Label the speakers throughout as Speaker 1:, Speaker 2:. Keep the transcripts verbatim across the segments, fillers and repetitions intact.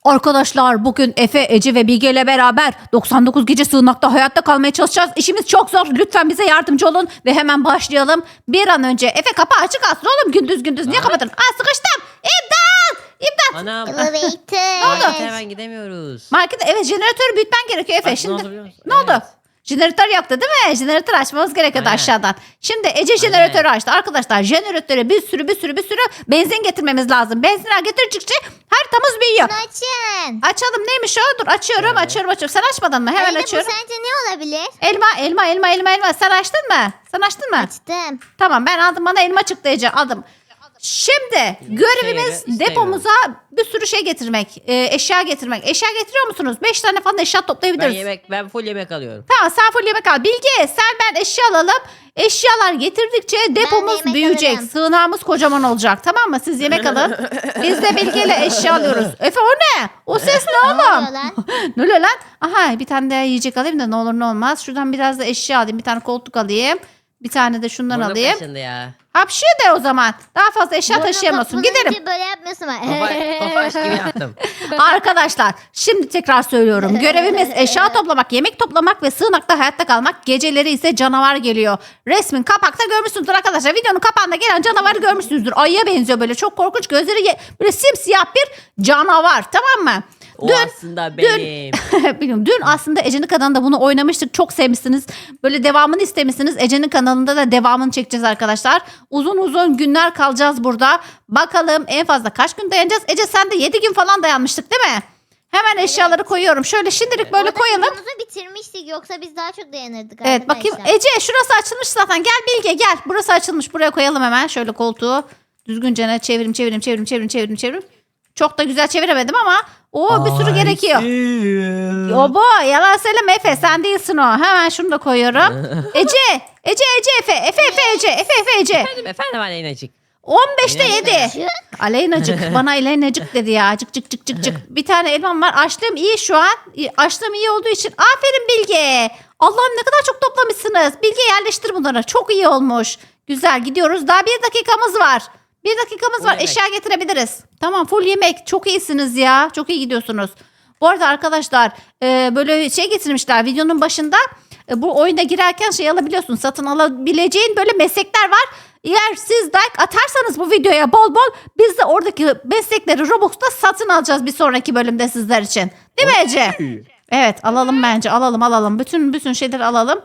Speaker 1: Arkadaşlar bugün Efe, Ece ve Bilge ile beraber doksan dokuz gece sığınakta hayatta kalmaya çalışacağız. İşimiz çok zor. Lütfen bize yardımcı olun ve hemen başlayalım. Bir an önce. Efe kapı açık alsın oğlum gündüz gündüz. Niye
Speaker 2: Aa.
Speaker 1: kapatın? Aa sıkıştım. İmdat! İmdat!
Speaker 2: Anam.
Speaker 3: Elevator.
Speaker 2: Markete hemen gidemiyoruz.
Speaker 1: Markete evet jeneratörü büyütmen gerekiyor Efe.
Speaker 2: Bak,
Speaker 1: Şimdi
Speaker 2: ne oldu biliyor musun?
Speaker 1: ne oldu?
Speaker 2: Evet.
Speaker 1: Jeneratör yoktu değil mi? Jeneratör açmamız gerekiyordu
Speaker 2: Aynen.
Speaker 1: aşağıdan. Şimdi Ece jeneratörü açtı. Arkadaşlar jeneratöre bir sürü bir sürü bir sürü benzin getirmemiz lazım. Benzinler getirdikçe haritamız büyüyor.
Speaker 3: Bunu açın.
Speaker 1: Açalım neymiş o? Dur açıyorum
Speaker 2: Şöyle.
Speaker 1: açıyorum açıyorum. Sen açmadın mı? Hemen
Speaker 3: Aleyna,
Speaker 1: açıyorum.
Speaker 3: bu sence ne olabilir?
Speaker 1: Elma elma elma elma elma. Sen açtın mı? Sen açtın mı?
Speaker 3: Açtım.
Speaker 1: Tamam ben aldım, bana elma çıktı Ece, aldım. Şimdi görevimiz
Speaker 2: istemiyorum.
Speaker 1: depomuza bir sürü şey getirmek. e, eşya getirmek. Eşya getiriyor musunuz? Beş tane falan eşya
Speaker 2: Ben
Speaker 1: toplayabiliriz.
Speaker 2: yemek, ben full yemek alıyorum.
Speaker 1: Tamam sen full yemek al. Bilge sen ben eşya alalım. Eşyalar getirdikçe depomuz
Speaker 3: yemek
Speaker 1: büyüyecek.
Speaker 3: alırım.
Speaker 1: Sığınağımız kocaman olacak. Tamam mı? Siz yemek alın. Biz de Bilge ile eşya alıyoruz. Efe o ne? O ses ne
Speaker 3: Ne
Speaker 1: oğlum?
Speaker 3: oluyor lan?
Speaker 1: Ne oluyor lan? Aha bir tane daha yiyecek alayım da ne olur ne olmaz. Şuradan biraz da eşya alayım. Bir tane koltuk alayım. Bir tane de şundan
Speaker 2: Burnum
Speaker 1: alayım.
Speaker 2: kaşındı ya.
Speaker 1: Hapşıyor de o zaman. Daha fazla eşya
Speaker 3: Burnun
Speaker 1: taşıyamıyorsun.
Speaker 3: kapanınca
Speaker 1: Gidelim.
Speaker 3: Böyle yapmıyorsun ama.
Speaker 2: Tofaş, tofaş gibi yaptım.
Speaker 1: Arkadaşlar şimdi tekrar söylüyorum. Görevimiz eşya toplamak, yemek toplamak ve sığınakta hayatta kalmak. Geceleri ise canavar geliyor. Resmin kapakta görmüşsünüzdür arkadaşlar. Videonun kapağında gelen canavarı görmüşsünüzdür. Ayıya benziyor böyle. Çok korkunç. Gözleri ye- böyle simsiyah bir canavar. Tamam mı?
Speaker 2: O
Speaker 1: Dün
Speaker 2: aslında benim.
Speaker 1: Bilmiyorum. Dün aslında Ece'nin kanalında bunu oynamıştık. Çok sevmişsiniz. Böyle devamını istemişsiniz. Ece'nin kanalında da devamını çekeceğiz arkadaşlar. Uzun uzun günler kalacağız burada. Bakalım en fazla kaç gün dayanacağız? Ece sen de yedi gün falan dayanmıştık değil mi? Hemen eşyaları koyuyorum. Şöyle şimdilik böyle
Speaker 3: Orada
Speaker 1: koyalım.
Speaker 3: videomuzu bitirmiştik, yoksa biz daha çok dayanırdık
Speaker 1: Evet bakayım.
Speaker 3: arkadaşlar.
Speaker 1: Ece şurası açılmış zaten. Gel Bilge gel. Burası açılmış. Buraya koyalım hemen. Şöyle koltuğu düzgünce ne çevirim çevirim çevirim çevirim çevirim çevirim. Çok da güzel çeviremedim ama o bir sürü gerekiyor. Obo yalan söyleme Efe, sen değilsin o. Hemen şunu da koyuyorum. Ece, Ece, Ece, Efe, Efe, Efe, Ece, Efe, Efe, Ece.
Speaker 2: Efendim efendim Aleynacık.
Speaker 1: on beşte
Speaker 2: Aleynacık.
Speaker 1: yedi. Aleynacık. Bana Aleynacık dedi ya. Cık cık cık cık cık. Bir tane elmam var. Açlığım iyi şu an. Açlığım iyi olduğu için. Aferin Bilge. Allah'ım ne kadar çok toplamışsınız. Bilge yerleştir bunları. Çok iyi olmuş. Güzel gidiyoruz. Daha bir dakikamız var. Bir dakikamız
Speaker 2: Full
Speaker 1: var.
Speaker 2: yemek.
Speaker 1: Eşya getirebiliriz. Tamam full yemek. Çok iyisiniz ya. Çok iyi gidiyorsunuz. Bu arada arkadaşlar e, böyle şey getirmişler videonun başında. E, bu oyuna girerken şey alabiliyorsun. Satın alabileceğin böyle meslekler var. Eğer siz like atarsanız bu videoya bol bol biz de oradaki meslekleri Robux'ta satın alacağız bir sonraki bölümde sizler için. Değil mi Ece? Evet alalım bence alalım alalım. Bütün bütün şeyleri alalım.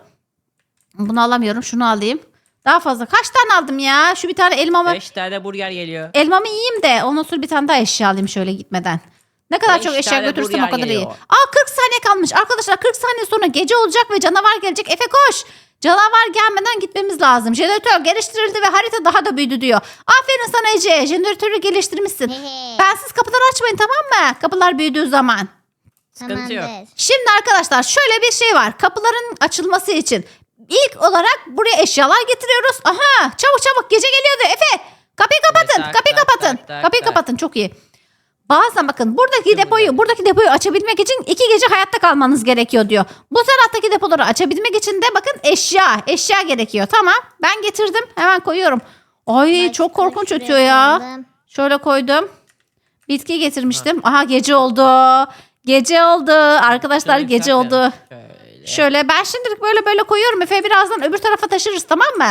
Speaker 1: Bunu alamıyorum şunu alayım. Daha fazla kaç tane aldım ya? Şu bir tane elmamı
Speaker 2: Beş tane burger geliyor.
Speaker 1: elmamı yiyeyim de ondan sonra bir tane daha eşya alayım şöyle gitmeden. Ne kadar
Speaker 2: Beş
Speaker 1: çok eşya
Speaker 2: tane
Speaker 1: götürürsem o
Speaker 2: burger
Speaker 1: kadar iyi.
Speaker 2: geliyor.
Speaker 1: Aa kırk saniye kalmış. Arkadaşlar kırk saniye sonra gece olacak ve canavar gelecek. Efe koş. Canavar gelmeden gitmemiz lazım. Jeneratör geliştirildi ve harita daha da büyüdü diyor. Aferin sana Ece. Jeneratörü geliştirmişsin.
Speaker 3: Hehe.
Speaker 1: Bensiz kapıları açmayın tamam mı? Kapılar büyüdüğü zaman.
Speaker 2: Sıkıntı yok.
Speaker 3: Tamamdır.
Speaker 1: Şimdi arkadaşlar şöyle bir şey var. Kapıların açılması için ilk olarak buraya eşyalar getiriyoruz. Aha çabuk çabuk gece geliyordu Efe. Kapıyı kapatın.
Speaker 2: tak,
Speaker 1: kapıyı
Speaker 2: tak,
Speaker 1: kapatın.
Speaker 2: tak, tak,
Speaker 1: kapıyı
Speaker 2: tak.
Speaker 1: kapatın çok iyi. Bazen bakın buradaki
Speaker 2: Çok
Speaker 1: depoyu
Speaker 2: güzel.
Speaker 1: buradaki depoyu açabilmek için iki gece hayatta kalmanız gerekiyor diyor. Bu taraftaki depoları açabilmek için de bakın eşya eşya gerekiyor. Tamam ben getirdim hemen koyuyorum. Ay
Speaker 3: Ben
Speaker 1: çok
Speaker 3: şunları
Speaker 1: korkunç
Speaker 3: şuraya
Speaker 1: ötüyor ya.
Speaker 3: koyalım.
Speaker 1: Şöyle koydum. Bitki getirmiştim. Aha gece oldu. Gece oldu. Arkadaşlar
Speaker 2: Şöyle
Speaker 1: gece
Speaker 2: saklayalım.
Speaker 1: oldu.
Speaker 2: Şöyle.
Speaker 1: Şöyle ben şimdilik böyle böyle koyuyorum. Efe birazdan öbür tarafa taşırız tamam mı?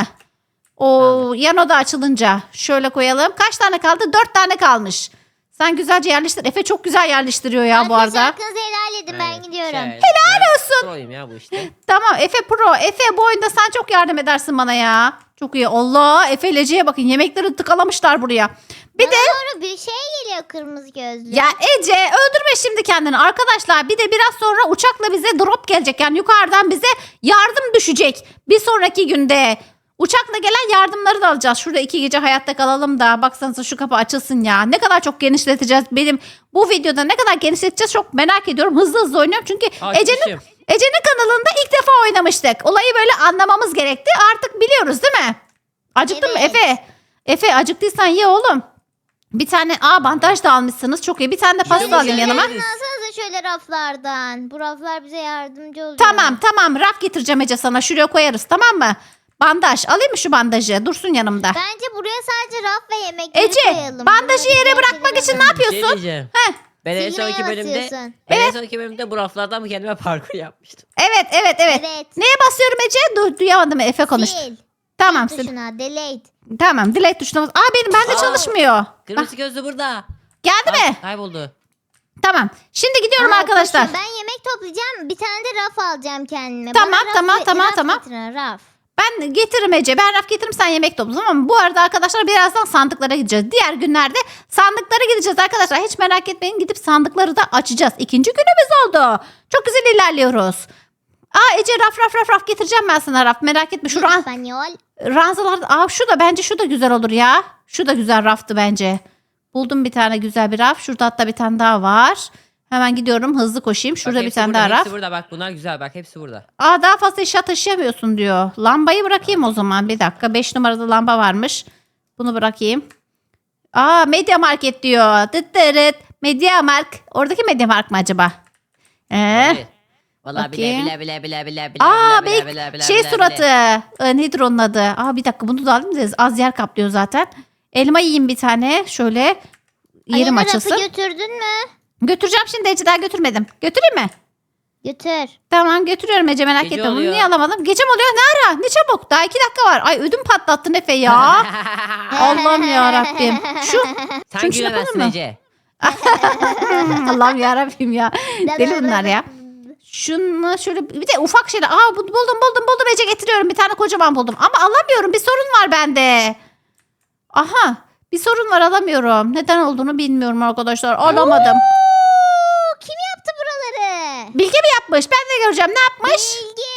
Speaker 1: O
Speaker 2: Tamam.
Speaker 1: yan oda açılınca. Şöyle koyalım. Kaç tane kaldı? Dört tane kalmış. Sen güzelce yerleştir. Efe çok güzel yerleştiriyor ya bu
Speaker 3: Arkadaşlar
Speaker 1: arada.
Speaker 3: hakkınızı helal edin, ben
Speaker 2: Aynen.
Speaker 3: gidiyorum.
Speaker 2: Şöyle.
Speaker 1: Helal
Speaker 2: Ben
Speaker 1: olsun.
Speaker 2: proyum ya bu işte.
Speaker 1: Tamam Efe pro. Efe bu oyunda sen çok yardım edersin bana ya. Çok iyi. Allah Efe ile Ece'ye bakın. Yemekleri tıkalamışlar buraya. Bir
Speaker 3: Bana
Speaker 1: de
Speaker 3: doğru bir şey geliyor, kırmızı gözlü.
Speaker 1: ya Ece öldürme şimdi kendini. Arkadaşlar bir de biraz sonra uçakla bize drop gelecek. Yani yukarıdan bize yardım düşecek. Bir sonraki günde. Uçakla gelen yardımları da alacağız. Şurada iki gece hayatta kalalım da. Baksanıza şu kapı açılsın ya. Ne kadar çok genişleteceğiz. Benim bu videoda ne kadar genişleteceğiz çok merak ediyorum. Hızlı hızlı oynuyorum. Çünkü Ece'nin
Speaker 2: Açmışım.
Speaker 1: Ece'nin kanalında ilk defa oynamıştık. Olayı böyle anlamamız gerekti. Artık biliyoruz değil mi? Acıktın mı
Speaker 3: Evet.
Speaker 1: Efe? Efe acıktıysan ye oğlum. Bir tane aa bandaj da almışsınız. Çok iyi. Bir tane de pasta
Speaker 2: Şöyle
Speaker 1: alayım yanıma.
Speaker 3: Şeylerini alsanıza şöyle raflardan. Bu raflar bize yardımcı oluyor.
Speaker 1: Tamam tamam raf getireceğim Ece sana. Şuraya koyarız tamam mı? Bandaj. Alayım mı şu bandajı? Dursun yanımda.
Speaker 3: Bence buraya sadece raf ve yemekleri
Speaker 1: Ece
Speaker 3: koyalım.
Speaker 1: bandajı
Speaker 3: Bunları
Speaker 1: yere
Speaker 3: diğer
Speaker 1: bırakmak
Speaker 3: şeylere
Speaker 1: için ne
Speaker 3: bırak-
Speaker 2: Bir şey
Speaker 1: yapıyorsun?
Speaker 2: diyeceğim.
Speaker 1: Heh.
Speaker 2: Ben en
Speaker 3: Silmeye
Speaker 2: sonki bölümde,
Speaker 3: basıyorsun.
Speaker 2: ben en sonki bölümde bu raflardan mı kendime parkur yapmıştım.
Speaker 1: Evet evet evet.
Speaker 3: Evet.
Speaker 1: Neye basıyorum Ece? Du duyamadım, Efe konuş.
Speaker 3: Sil.
Speaker 1: Tamam sil.
Speaker 3: Tuşuna delete.
Speaker 1: Tamam delete tuşuna bas. Aa benim bende
Speaker 2: Aa,
Speaker 1: çalışmıyor. Bak,
Speaker 2: Kırmızı gözlü burada.
Speaker 1: geldi
Speaker 2: Ay,
Speaker 1: mi?
Speaker 2: Kayboldu.
Speaker 1: Tamam. Şimdi gidiyorum
Speaker 3: Aa,
Speaker 1: arkadaşlar.
Speaker 3: koşun, ben yemek toplayacağım. Bir tane de raf alacağım kendime.
Speaker 1: Tamam,
Speaker 3: Bana raf
Speaker 1: tamam,
Speaker 3: ve-
Speaker 1: tamam,
Speaker 3: raf
Speaker 1: tamam.
Speaker 3: getirin, raf.
Speaker 1: Ben getiririm Ece. Ben raf getiririm, sen yemek topla, tamam mı? Bu arada arkadaşlar birazdan sandıklara gideceğiz. Diğer günlerde sandıklara gideceğiz arkadaşlar. Hiç merak etmeyin, gidip sandıkları da açacağız. İkinci günümüz oldu. Çok güzel ilerliyoruz. Aa Ece raf raf raf raf getireceğim ben sana raf. Merak etme. Şu ran,
Speaker 3: İspanyol.
Speaker 1: ranzalar. Aa şu da bence şu da güzel olur ya. Şu da güzel raftı bence. Buldum bir tane güzel bir raf. Şurada hatta bir tane daha var. Hemen gidiyorum, hızlı koşayım. Şurada
Speaker 2: Bak,
Speaker 1: bir
Speaker 2: hepsi
Speaker 1: tane
Speaker 2: burada,
Speaker 1: daha raf.
Speaker 2: Hepsi burada bak, bunlar güzel bak, hepsi burada.
Speaker 1: Aa daha fazla eşya taşıyamıyorsun diyor. Lambayı bırakayım o zaman. Bir dakika. beş numarada lamba varmış. Bunu bırakayım. Aa Media Market diyor. Dıt dırıt. Media Mark. Oradaki Media Mark mı acaba? Ee?
Speaker 2: Olabilir. Vallahi bile
Speaker 1: bakayım.
Speaker 2: bile bile bile bile bile
Speaker 1: Aa
Speaker 2: bile
Speaker 1: belki
Speaker 2: bile bile
Speaker 1: şey
Speaker 2: bile
Speaker 1: suratı.
Speaker 2: bile.
Speaker 1: Ee, nedir onun adı? Aa bir dakika bunu da alayım da az yer kaplıyor zaten. Elma yiyeyim bir tane. Şöyle yerim
Speaker 3: Aleyna,
Speaker 1: açılsın.
Speaker 3: rafı götürdün mü?
Speaker 1: Götüreceğim şimdi Ece, daha götürmedim. Götüreyim mi?
Speaker 3: Götür.
Speaker 1: Tamam götürüyorum Ece, merak
Speaker 2: Gece
Speaker 1: etme. Bunu
Speaker 2: oluyor.
Speaker 1: niye alamadım? Gece mi oluyor? Ne ara? Ne çabuk. Daha iki dakika var. Ay ödüm patlattın Efe ya. Allah'ım ya Rabbim. Şu
Speaker 2: Sen
Speaker 1: Şunu şuna
Speaker 2: gülemezsin
Speaker 1: koyalım mı?
Speaker 2: Ece.
Speaker 1: Allah'ım ya Rabbim ya. Deli bunlar ya. Şunu şöyle bir de ufak şeyler. Aa bu- buldum buldum buldum Ece, getiriyorum. Bir tane kocaman buldum. Ama alamıyorum. Bir sorun var bende. Aha. Bir sorun var, alamıyorum. Neden olduğunu bilmiyorum arkadaşlar. Alamadım.
Speaker 3: Oo, kim yaptı buraları?
Speaker 1: Bilge mi yapmış? Ben de göreceğim. Ne yapmış?
Speaker 3: Bilge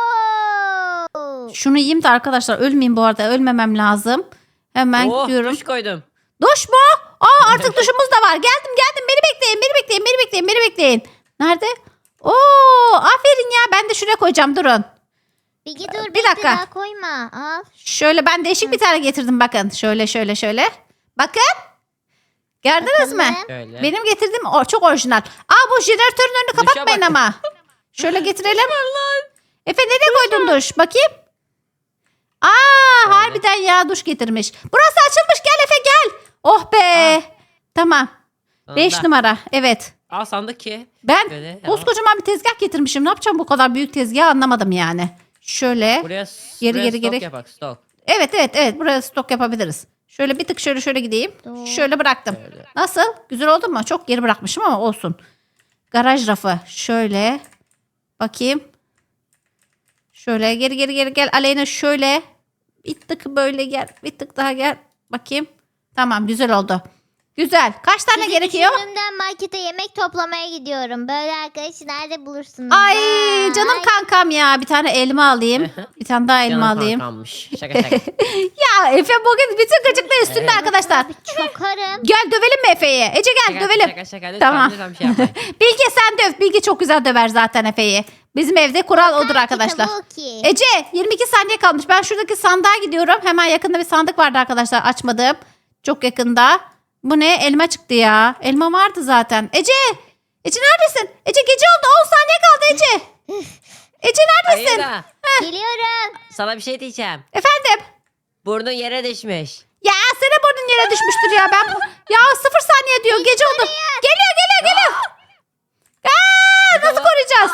Speaker 3: o.
Speaker 1: Şunu yiyeyim de arkadaşlar ölmeyeyim bu arada. Ölmemem lazım. Hemen
Speaker 2: Oh,
Speaker 1: gidiyorum.
Speaker 2: duş koydum.
Speaker 1: Duş mu? Aa artık duşumuz da var. Geldim geldim. Beni bekleyin. Beni bekleyin. Beni bekleyin. Beni bekleyin. Nerede? Oo aferin ya. Ben de şuraya koyacağım. Durun.
Speaker 3: Bilge dur
Speaker 1: Bir
Speaker 3: bekle,
Speaker 1: dakika.
Speaker 3: daha koyma. Al.
Speaker 1: Şöyle ben değişik bir tane getirdim bakın. Şöyle şöyle şöyle. Bakın. Gördünüz mü?
Speaker 3: Bakalım.
Speaker 2: Şöyle.
Speaker 1: Benim getirdiğim o, çok orijinal. Aa bu jeneratörün önünü
Speaker 2: Duşa
Speaker 1: kapatmayın
Speaker 2: bak.
Speaker 1: ama. Şöyle getirelim. Efe nereye koydun duş? Bakayım. Aa
Speaker 2: Öyle.
Speaker 1: harbiden ya duş getirmiş. Burası açılmış, gel Efe gel. Oh be.
Speaker 2: Aa.
Speaker 1: Tamam. beş
Speaker 2: Sonunda.
Speaker 1: numara. Evet.
Speaker 2: Al sandık ki.
Speaker 1: Ben
Speaker 2: Böyle,
Speaker 1: koskocaman bir tezgah getirmişim. Ne yapacağım bu kadar büyük tezgah, anlamadım yani. Şöyle.
Speaker 2: Buraya,
Speaker 1: Geri,
Speaker 2: buraya
Speaker 1: geri,
Speaker 2: stok
Speaker 1: geri.
Speaker 2: yapak stok.
Speaker 1: Evet evet evet buraya stok yapabiliriz. Şöyle bir tık şöyle şöyle gideyim.
Speaker 3: Doğru.
Speaker 1: Şöyle bıraktım.
Speaker 2: Şöyle.
Speaker 1: Nasıl? Güzel oldu mu? Çok geri bırakmışım ama olsun. Garaj rafı. Şöyle. Bakayım. Şöyle geri geri geri gel. Aleyna şöyle. Bir tık böyle gel. Bir tık daha gel. Bakayım. Tamam güzel oldu. Güzel. Kaç tane
Speaker 3: Sizi
Speaker 1: gerekiyor?
Speaker 3: düşündüğümden markete yemek toplamaya gidiyorum. Böyle arkadaşı nerede bulursunuz?
Speaker 1: Ay
Speaker 3: Vay.
Speaker 1: canım kankam ya. Bir tane elma alayım. Bir tane daha elma
Speaker 2: Canım
Speaker 1: alayım.
Speaker 2: kankammış. Şaka şaka.
Speaker 1: Ya Efe bugün bütün gıcıklığı üstünde
Speaker 2: Evet.
Speaker 1: arkadaşlar.
Speaker 3: Çokarım.
Speaker 1: Gel dövelim mi Efe'yi? Ece gel
Speaker 2: Şaka,
Speaker 1: dövelim.
Speaker 2: Şaka şaka lütfen,
Speaker 1: Tamam.
Speaker 2: lütfen bir şey yapmayın.
Speaker 1: Bilge sen döv. Bilge çok güzel döver zaten Efe'yi. Bizim evde kural odur
Speaker 3: Kanki,
Speaker 1: arkadaşlar.
Speaker 3: tabii ki.
Speaker 1: Ece yirmi iki saniye kalmış. Ben şuradaki sandığa gidiyorum. Hemen yakında bir sandık vardı arkadaşlar. Açmadım. Çok yakında. Bu ne? Elma çıktı ya. Elma vardı zaten. Ece! Ece neredesin? Ece gece oldu. on saniye kaldı Ece. Ece neredesin?
Speaker 2: Hayır da,
Speaker 3: Geliyorum.
Speaker 2: sana bir şey diyeceğim.
Speaker 1: Efendim?
Speaker 2: Burnun yere düşmüş.
Speaker 1: Ya senin burnun yere düşmüştür ya. Ben ya sıfır saniye diyor. Gece oldu. Geliyor geliyor geliyor. Aa, nasıl koruyacağız?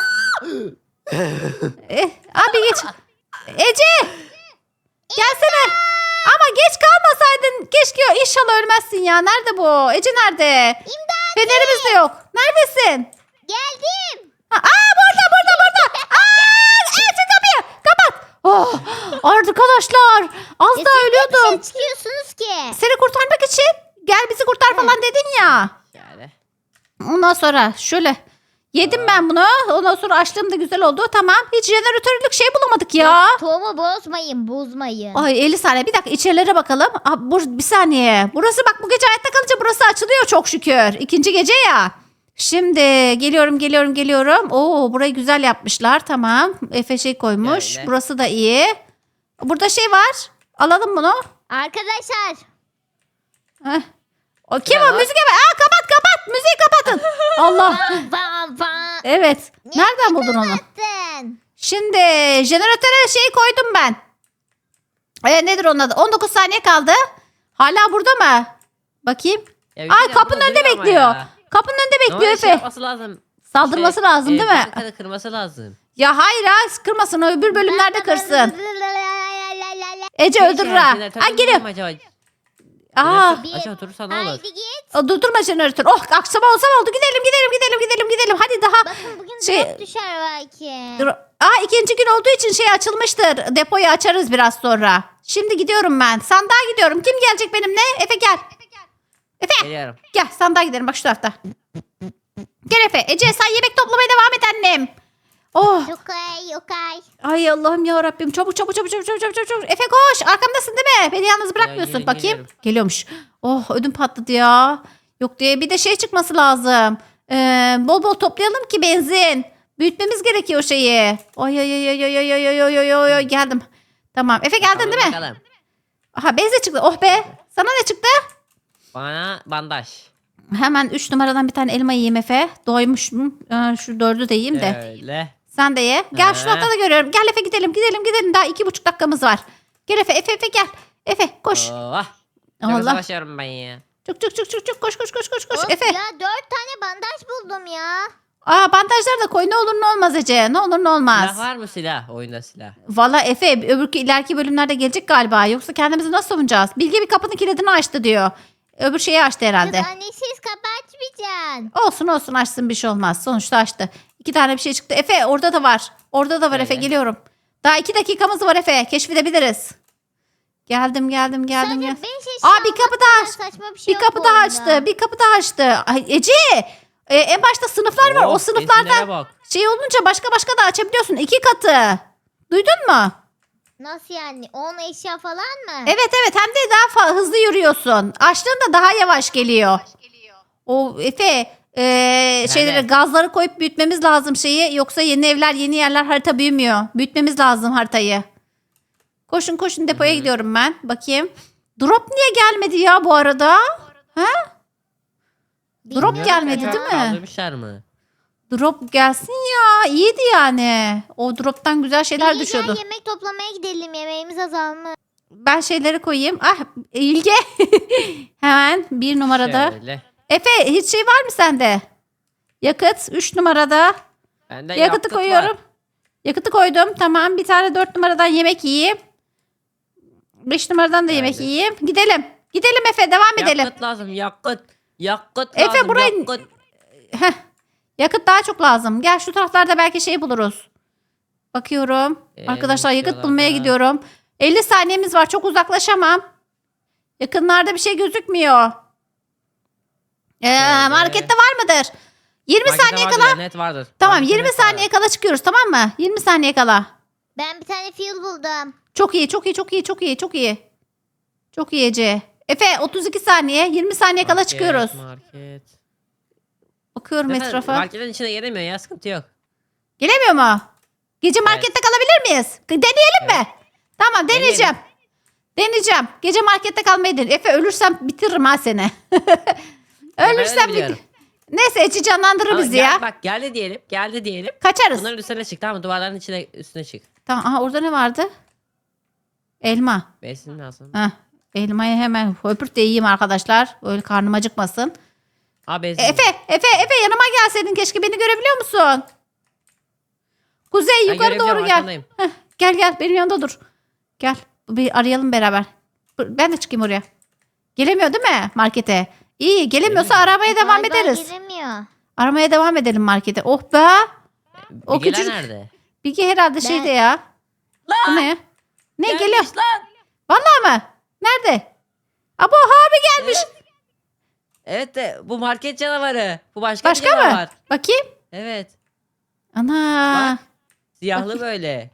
Speaker 1: eh, abi geç. Ece. Gelsene. Ama geç kalmasaydın. Keşke inşallah ölmezsin ya. Nerede bu? Ece nerede?
Speaker 3: İmdat.
Speaker 1: Fenerimiz de yok. Neredesin?
Speaker 3: Geldim.
Speaker 1: Ha, aa burada burada burada. Aa, açın kapıyı. Kapat. Oh, arkadaşlar. Az
Speaker 3: Ya
Speaker 1: daha
Speaker 3: siz niye
Speaker 1: ölüyordum.
Speaker 3: dışarı çıkıyorsunuz ki?
Speaker 1: Seni kurtarmak için. Gel bizi kurtar falan dedin ya.
Speaker 2: Yani.
Speaker 1: Ondan sonra şöyle yedim ben bunu. Ondan sonra açlığım da güzel oldu. Tamam. Hiç jeneratörlük şey bulamadık ya.
Speaker 3: Tohumu bozmayın, bozmayın.
Speaker 1: Ay elli saniye. Bir dakika içerilere bakalım. Aa, bur- bir saniye. Burası bak bu gece hayatta kalınca burası açılıyor çok şükür. İkinci gece ya. Şimdi geliyorum geliyorum geliyorum. Oo burayı güzel yapmışlar. Tamam. Efe şey koymuş.
Speaker 2: Öyle.
Speaker 1: Burası da iyi. Burada şey var. Alalım bunu.
Speaker 3: Arkadaşlar.
Speaker 1: Heh. O kim
Speaker 2: Ne
Speaker 1: o?
Speaker 2: var?
Speaker 1: Müzik var. Aa kapat kapat. Müziği kapatın. Allah.
Speaker 3: Van van van.
Speaker 1: Evet.
Speaker 3: Niye
Speaker 1: Nereden buldun onu?
Speaker 3: Sen.
Speaker 1: Şimdi jeneratöre şey koydum ben. E, nedir onun adı? on dokuz saniye kaldı. Hala burada mı? Bakayım.
Speaker 2: Ya bir
Speaker 1: Aa,
Speaker 2: şey diyeceğim,
Speaker 1: kapının
Speaker 2: burada
Speaker 1: önünde
Speaker 2: duruyor ama
Speaker 1: bekliyor.
Speaker 2: ya.
Speaker 1: Kapının önünde bekliyor
Speaker 2: Normalde şey
Speaker 1: Efe.
Speaker 2: yapması lazım.
Speaker 1: Saldırması
Speaker 2: Şey,
Speaker 1: lazım
Speaker 2: e,
Speaker 1: değil mi?
Speaker 2: bankada kırması lazım.
Speaker 1: Ya hayır ha kırmasın o öbür bölümlerde kırsın. Ece
Speaker 2: Şey,
Speaker 1: öldürür
Speaker 2: şey,
Speaker 1: ha.
Speaker 2: jeneratör
Speaker 1: Ha geliyor.
Speaker 2: mu acaba?
Speaker 1: Aa,
Speaker 2: Jeneratör Aşağı oturursa ne olur?
Speaker 3: Haydi git.
Speaker 1: o durdurma jeneratör. Oh akşam olsa oldu. Gidelim gidelim gidelim gidelim gidelim. Hadi daha.
Speaker 3: Bakın bugün
Speaker 1: Şey-
Speaker 3: drop düşer belki.
Speaker 1: Dur. Aa ikinci gün olduğu için şey açılmıştır. Depoyu açarız biraz sonra. Şimdi gidiyorum ben. Sandığa gidiyorum. Kim gelecek benimle? Efe gel. Efe
Speaker 2: Geliyorum.
Speaker 1: gel sandığa gidelim bak şu tarafta. Gel Efe. Ece sen yemek toplamaya devam et annem. Oh.
Speaker 3: Okay, okay.
Speaker 1: Ay Allah'ım ya Rabbim. Çabuk çabuk çabuk çabuk çabuk çabuk çabuk. Efe koş. Arkamdasın değil mi? Beni yalnız bırakmıyorsun.
Speaker 2: gelin,
Speaker 1: Bakayım.
Speaker 2: geliyorum.
Speaker 1: Geliyormuş. Oh ödüm patladı ya. Yok diye bir de şey çıkması lazım. Ee, bol bol toplayalım ki benzin. Büyütmemiz gerekiyor şeyi. Oy oy oy oy oy oy oy oy oy oy oy geldim. Tamam. Efe geldin
Speaker 2: Tamam,
Speaker 1: değil mi?
Speaker 2: bakalım.
Speaker 1: Aha benzin çıktı. Oh be. Sana ne çıktı?
Speaker 2: Bana bandaj.
Speaker 1: Hemen üç numaradan bir tane elma yiyeyim Efe. Doymuşum. Ee, şu dördü de yiyeyim de.
Speaker 2: Öyle.
Speaker 1: Sen de ye. Gel şu
Speaker 2: Ee?
Speaker 1: tarafta da görüyorum. Gel Efe gidelim gidelim gidelim. Daha iki buçuk dakikamız var. Gel Efe Efe Efe gel. Efe koş.
Speaker 2: Oh. Çok
Speaker 1: Allah.
Speaker 2: savaşıyorum ben ya.
Speaker 1: Çık çık çık çık çık koş koş koş koş koş.
Speaker 3: Of
Speaker 1: Efe.
Speaker 3: ya dört tane bandaj buldum ya.
Speaker 1: Aa bandajlar da koy ne olur ne olmaz Ece. Ne olur ne olmaz.
Speaker 2: Silah var mı silah? Oyunda silah.
Speaker 1: Valla Efe öbür ileriki bölümlerde gelecek galiba. Yoksa kendimizi nasıl savunacağız? Bilge bir kapının kilidini açtı diyor. Öbür şeyi açtı herhalde.
Speaker 3: Kız annesiz kapı açmayacaksın.
Speaker 1: Olsun olsun açsın bir şey olmaz. Sonuçta açtı. İki tane bir şey çıktı. Efe orada da var. Orada da var Efe
Speaker 2: Nerede?
Speaker 1: geliyorum. Daha iki dakikamız var Efe. Keşfedebiliriz. Geldim geldim geldim.
Speaker 3: Sadece
Speaker 1: geldim.
Speaker 3: beş eşya
Speaker 1: Aa bir kapı daha aç.
Speaker 3: saçma bir şey
Speaker 1: Bir
Speaker 3: yok
Speaker 1: kapı
Speaker 3: bu
Speaker 1: daha
Speaker 3: oyunda.
Speaker 1: açtı. Bir kapı daha açtı. Ay Ece. e, en başta sınıflar var. O
Speaker 2: Oh,
Speaker 1: sınıflarda
Speaker 2: benzinlere bak.
Speaker 1: şey olunca başka başka da açabiliyorsun. İki katı. Duydun mu?
Speaker 3: Nasıl yani? on eşya falan mı?
Speaker 1: Evet evet hem de daha fa- hızlı yürüyorsun. Açtığında daha yavaş geliyor. O Efe e, şeyleri
Speaker 2: Evet.
Speaker 1: gazları koyup büyütmemiz lazım şeyi. Yoksa yeni evler yeni yerler harita büyümüyor. Büyütmemiz lazım haritayı. Koşun koşun depoya
Speaker 2: Hı-hı.
Speaker 1: gidiyorum ben. Bakayım. Drop niye gelmedi ya bu arada? Ha?
Speaker 3: Bilmiyorum
Speaker 1: Drop gelmedi
Speaker 3: ya.
Speaker 1: değil mi?
Speaker 2: Kaldırmışlar mı?
Speaker 1: Drop gelsin ya. İyiydi yani. O droptan güzel şeyler
Speaker 3: Bilge,
Speaker 1: düşüyordu.
Speaker 3: gel yemek toplamaya gidelim. Yemeğimiz azalmış.
Speaker 1: Ben şeyleri koyayım. Ah İlge. Hemen bir numarada.
Speaker 2: Şöyle.
Speaker 1: Efe hiç şey var mı sende? Yakıt üç numarada.
Speaker 2: Bende
Speaker 1: Yakıtı
Speaker 2: yakıt
Speaker 1: koyuyorum.
Speaker 2: var.
Speaker 1: Yakıtı koydum. Tamam bir tane dört numaradan yemek yiyeyim. beş numaradan da yemek
Speaker 2: Geldi.
Speaker 1: yiyeyim. Gidelim. Gidelim Efe devam edelim.
Speaker 2: Yakıt lazım yakıt. Yakıt
Speaker 1: Efe,
Speaker 2: lazım
Speaker 1: burayı-
Speaker 2: yakıt.
Speaker 1: Heh. Yakıt daha çok lazım. Gel şu taraflarda belki şey buluruz. Bakıyorum.
Speaker 2: Ee,
Speaker 1: Arkadaşlar yakıt
Speaker 2: bakıyorlar
Speaker 1: bulmaya
Speaker 2: da.
Speaker 1: gidiyorum. elli saniyemiz var. Çok uzaklaşamam. Yakınlarda bir şey gözükmüyor. Ee,
Speaker 2: Şöyle.
Speaker 1: markette var mıdır? yirmi
Speaker 2: Markete
Speaker 1: saniye
Speaker 2: vardır
Speaker 1: kala.
Speaker 2: ya, net vardır.
Speaker 1: Tamam
Speaker 2: Markette
Speaker 1: yirmi
Speaker 2: net vardır.
Speaker 1: saniye kala çıkıyoruz tamam mı? yirmi saniye kala.
Speaker 3: Ben bir tane fuel buldum.
Speaker 1: Çok iyi çok iyi çok iyi çok iyi çok iyi. Çok iyi Ece. Efe otuz iki saniye yirmi saniye kala
Speaker 2: Market,
Speaker 1: çıkıyoruz.
Speaker 2: Market.
Speaker 1: Bakıyorum
Speaker 2: Zaten
Speaker 1: etrafa.
Speaker 2: Marketin içine gelemiyor ya sıkıntı yok.
Speaker 1: Gelemiyor mu? Gece markette kalabilir miyiz? Deneyelim mi? Tamam deneyeceğim. Deneyeceğim. Gece markette kalmayı dene. Efe ölürsem bitiririm ha seni. ölürsem
Speaker 2: öyle
Speaker 1: bit.
Speaker 2: biliyorum.
Speaker 1: Neyse Eci canlandırır
Speaker 2: Ama
Speaker 1: bizi
Speaker 2: gel-
Speaker 1: ya.
Speaker 2: Bak geldi diyelim. Geldi diyelim.
Speaker 1: Kaçarız.
Speaker 2: Bunların üstüne çık tamam mı? Duvarların içine üstüne çık.
Speaker 1: Tamam aha orada ne vardı? Elma.
Speaker 2: Besin lazım.
Speaker 1: Heh, elmayı hemen höpürt de yiyeyim arkadaşlar. Öyle karnım acıkmasın.
Speaker 2: Aa besin.
Speaker 1: Efe, Efe, Efe yanıma gelseydin keşke beni görebiliyor musun? Kuzey
Speaker 2: Ben
Speaker 1: yukarı doğru
Speaker 2: görebiliyorum,
Speaker 1: gel.
Speaker 2: arkandayım.
Speaker 1: Heh, gel gel benim yanımda dur. Gel bir arayalım beraber. Ben de çıkayım oraya. Gelemiyor değil mi markete? İyi gelemiyorsa
Speaker 2: Gelemiyor.
Speaker 1: aramaya devam
Speaker 3: Galiba
Speaker 1: ederiz.
Speaker 3: giremiyor.
Speaker 1: Aramaya devam edelim markete. Oh be. O
Speaker 2: Bilgeler
Speaker 1: küçük-
Speaker 2: nerede?
Speaker 1: Bilgi herhalde şeyde ya. Bu
Speaker 2: Lan!
Speaker 1: ne ya? Ne
Speaker 2: Gelmiş
Speaker 1: geliyor?
Speaker 2: lan!
Speaker 1: Vallahi mı? Nerede? Abo abi gelmiş.
Speaker 2: Evet. Evet de bu market canavarı. Bu başka,
Speaker 1: Başka
Speaker 2: bir
Speaker 1: mı?
Speaker 2: canavar.
Speaker 1: Bakayım.
Speaker 2: Evet.
Speaker 1: Ana.
Speaker 2: Siyahlı böyle.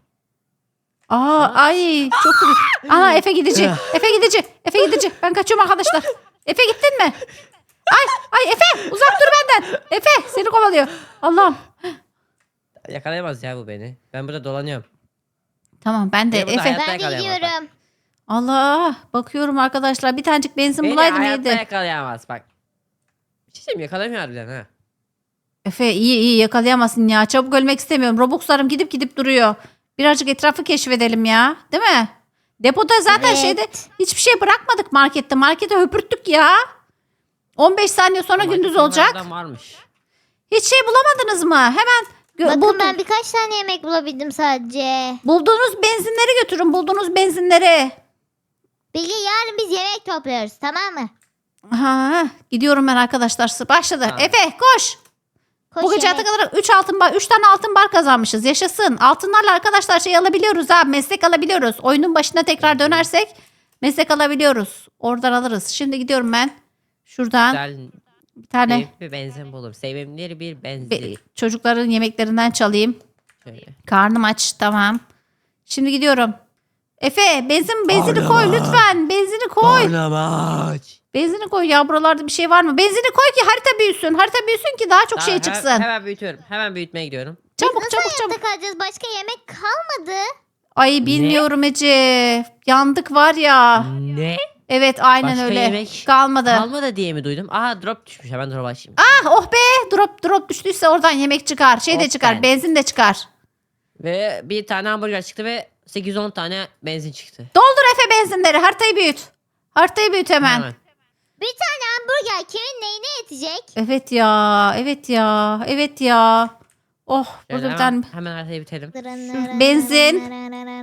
Speaker 1: Aa ay çok kötü. Ana Efe gidici. Efe gidici. Efe gidici. Ben kaçıyorum arkadaşlar. Efe gittin mi? Ay ay Efe uzak dur benden. Efe seni kovalıyor. Allah'ım.
Speaker 2: Yakalayamaz ya bu beni. Ben burada dolanıyorum.
Speaker 1: Tamam ben de
Speaker 2: Beni burada
Speaker 1: Efe.
Speaker 2: hayatta
Speaker 3: Ben
Speaker 2: yakalayamaz.
Speaker 3: gidiyorum.
Speaker 1: Allah bakıyorum arkadaşlar bir tanecik benzin
Speaker 2: Beni
Speaker 1: bulaydım
Speaker 2: hayatta
Speaker 1: iyiydi.
Speaker 2: yakalayamaz bak. Bir şey diyeyim yakalamıyor harbiden ha.
Speaker 1: Efe iyi iyi yakalayamazsın ya. Çabuk ölmek istemiyorum. Robux'larım gidip gidip duruyor. Birazcık etrafı keşfedelim ya. Değil mi? Depoda zaten
Speaker 3: Evet.
Speaker 1: şeyde hiçbir şey bırakmadık markette. Markete höpürttük ya. on beş saniye sonra
Speaker 2: Ama
Speaker 1: gündüz olacak.
Speaker 2: bunlardan varmış.
Speaker 1: Hiç şey bulamadınız mı? Hemen gö-
Speaker 3: Bakın
Speaker 1: buldu-
Speaker 3: ben birkaç tane yemek bulabildim sadece.
Speaker 1: bulduğunuz benzinleri götürün. Bulduğunuz benzinleri.
Speaker 3: Bilge yarın biz yemek topluyoruz tamam mı?
Speaker 1: Ha, gidiyorum ben arkadaşlar. Başladı.
Speaker 2: Tamam.
Speaker 1: Efe koş.
Speaker 3: Koş
Speaker 1: Bu gece
Speaker 3: yemek.
Speaker 1: kadar üç altın bar, üç tane altın bar kazanmışız. Yaşasın. Altınlarla arkadaşlar şey alabiliyoruz ha. Meslek alabiliyoruz. Oyunun başına tekrar dönersek meslek alabiliyoruz. Oradan alırız. Şimdi gidiyorum ben. Şuradan
Speaker 2: Güzel
Speaker 1: bir tane
Speaker 2: sevimli bir benzin bulurum. Sevimli bir benzin.
Speaker 1: be- çocukların yemeklerinden çalayım.
Speaker 2: Şöyle.
Speaker 1: Karnım aç. Tamam. Şimdi gidiyorum. Efe benzin benzini koy lütfen. Benzini koy.
Speaker 2: Karnamaç.
Speaker 1: Benzini koy ya, buralarda bir şey var mı? Benzini koy ki harita büyüsün. Harita büyüsün ki daha çok
Speaker 2: Tamam,
Speaker 1: şey
Speaker 2: hemen-
Speaker 1: çıksın.
Speaker 2: Hemen büyütüyorum. Hemen büyütmeye gidiyorum.
Speaker 1: Çabuk
Speaker 3: Nasıl
Speaker 1: çabuk
Speaker 3: hayatta
Speaker 1: çabuk.
Speaker 3: kalacağız? Başka yemek kalmadı.
Speaker 1: Ay bilmiyorum Ece. Yandık var ya.
Speaker 2: Ne?
Speaker 1: Evet aynen
Speaker 2: Başka
Speaker 1: öyle.
Speaker 2: yemek
Speaker 1: Kalmadı.
Speaker 2: Kalmadı diye mi duydum? Aha drop düşmüş. Hemen drop açayım.
Speaker 1: Ah oh be, drop drop düştüyse oradan yemek çıkar. Şey de
Speaker 2: Of
Speaker 1: çıkar.
Speaker 2: ben.
Speaker 1: Benzin de çıkar.
Speaker 2: Ve bir tane hamburger çıktı ve sekiz on tane benzin çıktı.
Speaker 1: Doldur Efe benzinleri. Haritayı büyüt. Haritayı büyüt hemen.
Speaker 2: Hemen.
Speaker 3: Bir tane hamburger kimin neyine yetecek?
Speaker 1: Evet ya. Evet ya. Evet ya. Oh
Speaker 2: Şöyle
Speaker 1: burada bir tane,
Speaker 2: hemen, hemen haritayı bitelim.
Speaker 1: benzin.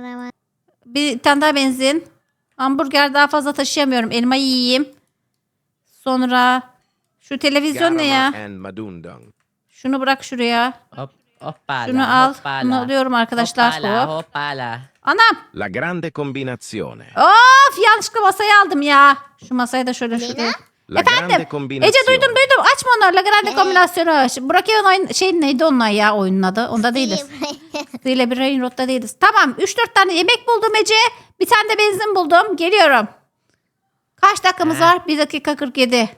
Speaker 1: bir tane daha benzin. Hamburger daha fazla taşıyamıyorum. Elmayı yiyeyim. Sonra şu televizyon ne ya?
Speaker 4: Garma and Madundang.
Speaker 1: Şunu bırak şuraya.
Speaker 2: Hop, hoppala,
Speaker 1: Şunu al.
Speaker 2: hoppala.
Speaker 1: Bunu alıyorum arkadaşlar.
Speaker 2: Hoppala,
Speaker 1: Hop.
Speaker 2: hoppala.
Speaker 1: Anam.
Speaker 4: La grande combinazione.
Speaker 1: Of yanlışlıkla masayı aldım ya. Şu masayı da şöyle
Speaker 3: Lena?
Speaker 1: şuraya.
Speaker 4: La
Speaker 1: Efendim?
Speaker 4: grande combinazione.
Speaker 1: Ece duydum duydum. Açma onları. La Grande
Speaker 3: Ne?
Speaker 1: kombinasyonu. Şimdi Burak Yavun oyun şey neydi onlar ya oyunun adı? Onda değiliz. Zile bir Rain Road'da değiliz. Tamam. üç dört tane yemek buldum Ece. Bir tane de benzin buldum. Geliyorum. Kaç dakikamız
Speaker 2: He.
Speaker 1: var? bir dakika kırk yedi.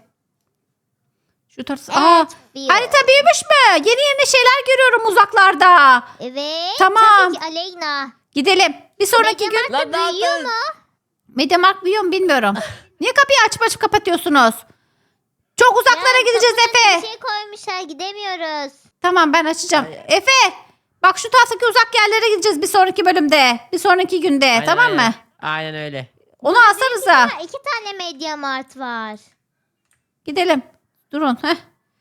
Speaker 1: Şu tarz. Aa,
Speaker 3: Evet. bir-
Speaker 1: harita büyümüş mü? Yeni yeni şeyler görüyorum uzaklarda.
Speaker 3: Evet.
Speaker 1: Tamam.
Speaker 3: Tabii ki Aleyna.
Speaker 1: Gidelim. Bir sonraki gün
Speaker 3: Mediamarkt
Speaker 2: Lan ne
Speaker 3: büyüyor
Speaker 2: yaptın?
Speaker 3: mu?
Speaker 1: Mediamarkt büyüyor mu bilmiyorum. Niye kapıyı açıp açıp kapatıyorsunuz? Çok uzaklara
Speaker 3: Ya,
Speaker 1: gideceğiz
Speaker 3: kapıya
Speaker 1: Efe.
Speaker 3: Bir şey koymuşlar gidemiyoruz.
Speaker 1: Tamam ben açacağım. Efe bak şu taraftaki uzak yerlere gideceğiz bir sonraki bölümde. Bir sonraki günde
Speaker 2: Aynen
Speaker 1: tamam
Speaker 2: öyle.
Speaker 1: mı?
Speaker 2: Aynen öyle.
Speaker 1: Onu alsanıza.
Speaker 3: Ha, iki tane Mediamart var.
Speaker 1: Gidelim. Durun. Heh.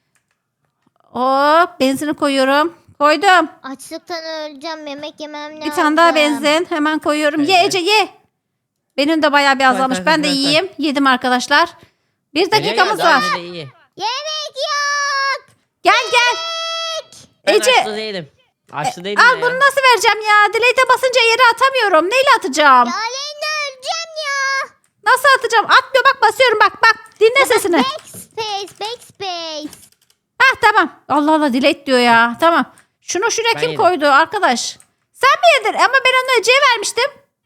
Speaker 1: Hop benzini koyuyorum. Koydum.
Speaker 3: Açlıktan öleceğim. Yemek yemem lazım.
Speaker 1: Bir tane daha benzin. Hemen koyuyorum. Ye
Speaker 2: Şöyle.
Speaker 1: Ece ye. Benim de bayağı bir azalmış.
Speaker 2: koy,
Speaker 1: Ben de
Speaker 2: koy, koy.
Speaker 1: yiyeyim. Yedim arkadaşlar. Bir
Speaker 2: Nereye
Speaker 1: dakikamız
Speaker 2: geldi?
Speaker 1: var.
Speaker 2: Anne de iyi.
Speaker 3: Yemek yok.
Speaker 1: Gel gel.
Speaker 2: Ben
Speaker 1: Ece.
Speaker 2: açlı değilim. Açlı değilim
Speaker 1: Al
Speaker 2: ya.
Speaker 1: bunu nasıl vereceğim ya? Delete'e basınca yere atamıyorum. Neyle atacağım?
Speaker 3: Ya Aleyna öleceğim ya.
Speaker 1: Nasıl atacağım? Atmıyor bak basıyorum bak bak. Dinle sesini.
Speaker 3: Backspace, backspace.
Speaker 1: Hah tamam. Allah Allah delete diyor ya. Tamam. Şunu şuraya
Speaker 2: Ben
Speaker 1: kim
Speaker 2: yedim.
Speaker 1: koydu arkadaş? Sen mi yedin? Ama ben onu Ece'ye vermiştim.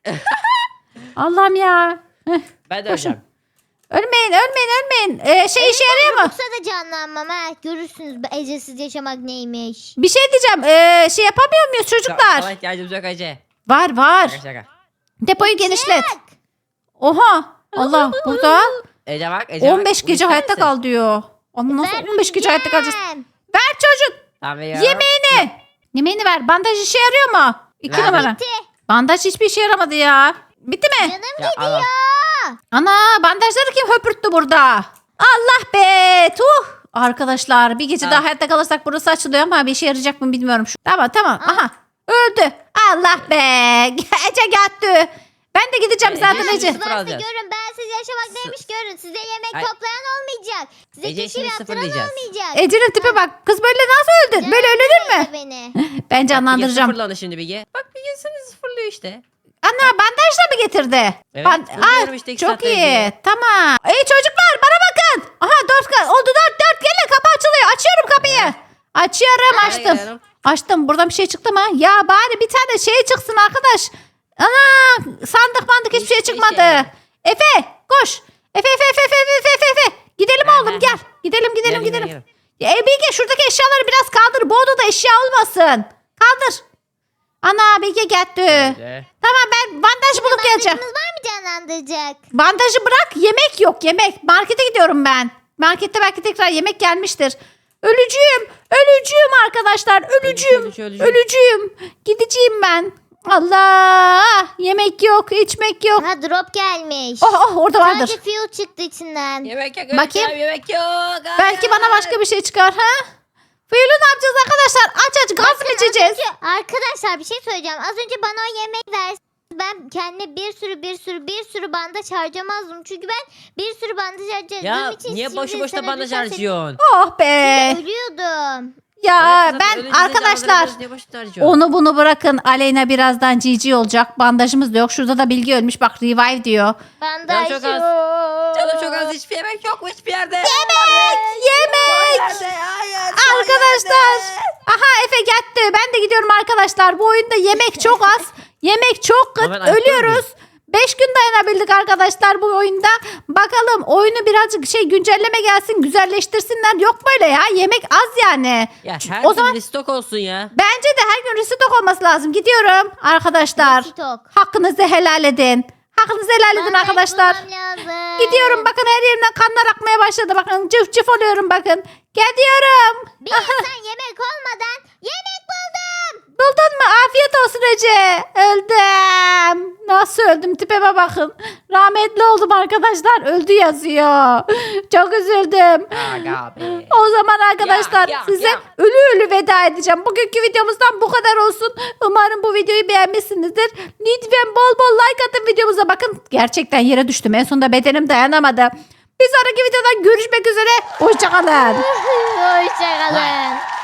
Speaker 1: Allah'ım ya. Heh,
Speaker 2: Ben de
Speaker 1: Koşun.
Speaker 2: öleceğim.
Speaker 1: Ölmeyin ölmeyin ölmeyin. Ee, şey işe yarıyor mu?
Speaker 3: Yoksa da canlanmam ha. Görürsünüz bu ecesiz yaşamak neymiş.
Speaker 1: Bir şey diyeceğim. Ee, şey yapamıyor muyuz çocuklar?
Speaker 2: Sana ihtiyacımız yok Ece.
Speaker 1: Var var.
Speaker 2: Şaka şaka.
Speaker 1: Depoyu genişlet. Oha. Allah burada
Speaker 2: Ece bak Ece bak.
Speaker 1: on beş
Speaker 2: Bunu
Speaker 1: gece
Speaker 2: ister
Speaker 1: hayatta
Speaker 2: misin?
Speaker 1: kal diyor. Ama nasıl on beş gece hayatta kalacağız?
Speaker 3: Vermeyeceğim.
Speaker 1: Ver çocuk.
Speaker 2: Tamam veriyorum.
Speaker 1: Yemeğini. Yemeğini ver. Bandaj işe yarıyor mu? İki
Speaker 2: Ver.
Speaker 1: numara.
Speaker 3: Bitti.
Speaker 1: Bandaj hiçbir işe yaramadı ya. Bitti mi?
Speaker 3: Canım
Speaker 2: Ya, al, al.
Speaker 3: gidiyor.
Speaker 1: Ana bandajları kim höpürttü burada? Allah be tuh. Arkadaşlar bir gece
Speaker 2: Ha.
Speaker 1: daha hayatta kalırsak burası açılıyor ama bir işe yarayacak mı bilmiyorum. Şu. Tamam tamam aha öldü. Allah be Ece gitti. Ben de gideceğim
Speaker 2: Ece,
Speaker 1: zaten
Speaker 2: Ece.
Speaker 1: Ece.
Speaker 2: Sıfır
Speaker 3: Varsa
Speaker 2: alacağız.
Speaker 3: görün ben siz yaşamak neymiş görün. Size yemek
Speaker 2: Ay.
Speaker 3: toplayan olmayacak. Size
Speaker 2: Ece
Speaker 3: keşif
Speaker 2: şimdi
Speaker 3: yaptıran
Speaker 2: sıfırlayacağız.
Speaker 3: olmayacak.
Speaker 1: Ece'nin tipe bak. Kız böyle nasıl öldün? Böyle ölünür mü?
Speaker 3: Beni.
Speaker 1: Ben
Speaker 2: Bilge
Speaker 1: canlandıracağım.
Speaker 2: sıfırlandı şimdi Bilge. Bak Bilge seni sıfırlıyor işte.
Speaker 1: Ana bandajla mı getirdi?
Speaker 2: Evet,
Speaker 1: Ban-
Speaker 2: buluyorum
Speaker 1: Aa,
Speaker 2: işte iki
Speaker 1: çok
Speaker 2: saatte
Speaker 1: iyi.
Speaker 2: Bilge'yi.
Speaker 1: Tamam. Ey çocuklar bana bakın. Aha dört ka- oldu dört dört gelin kapı açılıyor. Açıyorum kapıyı. Açıyorum
Speaker 2: Hadi
Speaker 1: açtım.
Speaker 2: gidelim.
Speaker 1: Açtım. Buradan bir şey çıktı mı? Ya bari bir tane şey çıksın arkadaş. Ana sandık mandık hiçbir şey
Speaker 2: Hiçbir
Speaker 1: çıkmadı.
Speaker 2: şey.
Speaker 1: Efe koş. Efe Efe Efe Efe Efe Efe Efe. Gidelim
Speaker 2: Ha,
Speaker 1: oğlum
Speaker 2: ha,
Speaker 1: gel.
Speaker 2: ha.
Speaker 1: Gidelim gidelim
Speaker 2: Gelin,
Speaker 1: gidelim.
Speaker 2: gelin,
Speaker 1: Ya, e, Bilge şuradaki eşyaları biraz kaldır. Bu odada eşya olmasın. Kaldır. Ana Bilge gitti.
Speaker 2: Ece.
Speaker 1: Tamam ben bandaj bulup geleceğim.
Speaker 3: Bandajımız var mı canlandıracak?
Speaker 1: Bandajı bırak yemek yok yemek. Markete gidiyorum ben. Markette belki tekrar yemek gelmiştir. Ölücüyüm. Ölücüyüm arkadaşlar. Ölücüyüm.
Speaker 2: Ölücü, ölücü, ölücü.
Speaker 1: Ölücüyüm. Gideceğim ben. Allah! Yemek yok, içmek yok.
Speaker 3: Ha drop gelmiş.
Speaker 1: Oh oh orada vardır.
Speaker 3: Sadece fuel çıktı içinden.
Speaker 2: Yemek yok.
Speaker 1: Bakayım.
Speaker 2: Bakayım. Yemek yok.
Speaker 1: Belki bana başka bir şey çıkar ha? Fıyulu ne yapacağız arkadaşlar? Aç aç gaz mı içeceğiz?
Speaker 3: Arkadaşlar bir şey söyleyeceğim. Az önce bana o yemeği versin. Ben kendime bir sürü bir sürü bir sürü bandaj harcamazdım. Çünkü ben bir sürü bandaj harcadığım
Speaker 2: Ya
Speaker 3: için
Speaker 2: niye
Speaker 3: şimdi
Speaker 2: boşu boşuna
Speaker 3: sana
Speaker 2: bandaj
Speaker 3: lütfen
Speaker 2: harcıyorsun?
Speaker 1: Oh be.
Speaker 3: seni- Ölüyordum.
Speaker 1: Ya
Speaker 2: Evet,
Speaker 1: ben
Speaker 2: öyle güzel
Speaker 1: arkadaşlar
Speaker 2: canlandırıyoruz, niye boşuna harcıyorsun?
Speaker 1: onu bunu bırakın. Aleyna birazdan cici olacak. Bandajımız da yok. Şurada da Bilgi ölmüş. Bak revive diyor.
Speaker 3: Bandaj
Speaker 2: çok az.
Speaker 3: yok.
Speaker 2: Canım çok az, hiçbir yemek yok mu hiçbir yerde?
Speaker 1: Yemek! Yemek!
Speaker 2: Nerede? Hayır. son
Speaker 1: Arkadaşlar.
Speaker 2: yerde.
Speaker 1: Aha Efe gitti. Ben de gidiyorum arkadaşlar. Bu oyunda yemek çok az. Yemek çok
Speaker 2: Ama
Speaker 1: kıt.
Speaker 2: ben ayakta
Speaker 1: Ölüyoruz. beş gün dayanabildik arkadaşlar bu oyunda. Bakalım oyunu birazcık şey güncelleme gelsin. Güzelleştirsinler. Yok böyle ya. Yemek az yani.
Speaker 2: Ya her
Speaker 1: O
Speaker 2: o
Speaker 1: zaman-
Speaker 2: zaman stok olsun ya.
Speaker 1: Bence de her gün restock olması lazım. Gidiyorum arkadaşlar.
Speaker 3: Stok.
Speaker 1: Hakkınızı helal edin. Hakkınızı helal edin
Speaker 3: Bandaj
Speaker 1: arkadaşlar.
Speaker 3: bulmam lazım.
Speaker 1: Gidiyorum bakın her yerimden kanlar akmaya başladı. Bakın cıf cıf oluyorum bakın. Gidiyorum.
Speaker 3: Bir insan yemek olmadan yemek buldum.
Speaker 1: Buldun mu? Afiyet olsun Ece. Öldüm. Nasıl öldüm? Tipeme bakın. Rahmetli oldum arkadaşlar. Öldü yazıyor. Çok üzüldüm.
Speaker 2: Aga be.
Speaker 1: O zaman arkadaşlar
Speaker 2: Ya, ya,
Speaker 1: size
Speaker 2: ya.
Speaker 1: ölü ölü veda edeceğim. Bugünkü videomuzdan bu kadar olsun. Umarım bu videoyu beğenmişsinizdir. Lütfen bol bol like atın videomuza. Bakın gerçekten yere düştüm. En sonunda bedenim dayanamadı. Bir sonraki videodan görüşmek üzere. Hoşçakalın.
Speaker 3: Hoşçakalın.